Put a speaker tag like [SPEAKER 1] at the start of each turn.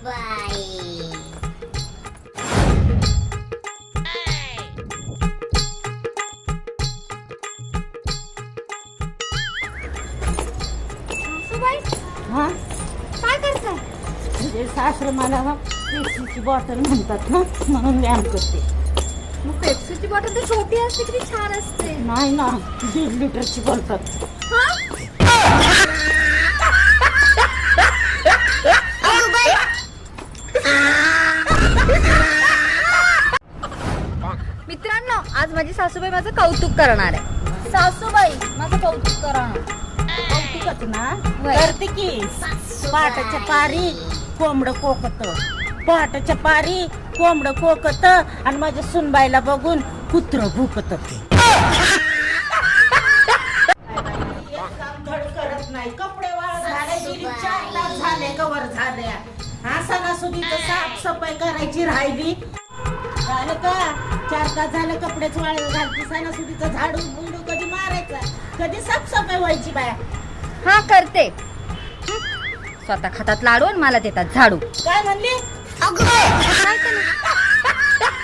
[SPEAKER 1] सासूबाई
[SPEAKER 2] हा
[SPEAKER 1] काय करताय?
[SPEAKER 2] म्हणजे सासर मला पेप्सीची बॉटल म्हणतात ना, म्हणून व्यायाम करते.
[SPEAKER 1] मग पेप्सीची बॉटल तर छोटी असते, किती छान असते.
[SPEAKER 2] नाही ना, 1.5 लिटरची बोलतात.
[SPEAKER 1] मित्रांनो, आज माझी सासूबाई माझं कौतुक करणार आहे. सासूबाई माझं कौतुक करणार.
[SPEAKER 2] कौतुकच ना
[SPEAKER 1] होय.
[SPEAKER 2] करते की. पहाटाच्या पारी कोंबड कोकत, पहाटाच्या पारी कोंबड कोकत, आणि माझ्या सुनबाईला बघून कुत्र भुकत. करत नाही, कपडे वाळ झाले, 4 तास झाले कवर झाले. हा सणासुदीचं साफसफाई करायची राहिली. झालं का 4 तास झालं कपडेच वाळ घालती. सणासुदीचं झाडू बुंडू कधी मारायचा, कधी साफसफाई व्हायची बाया.
[SPEAKER 1] हा करते. स्वतः खातात लाडू आणि मला देतात झाडू.
[SPEAKER 2] काय म्हणली?
[SPEAKER 1] काय केलं?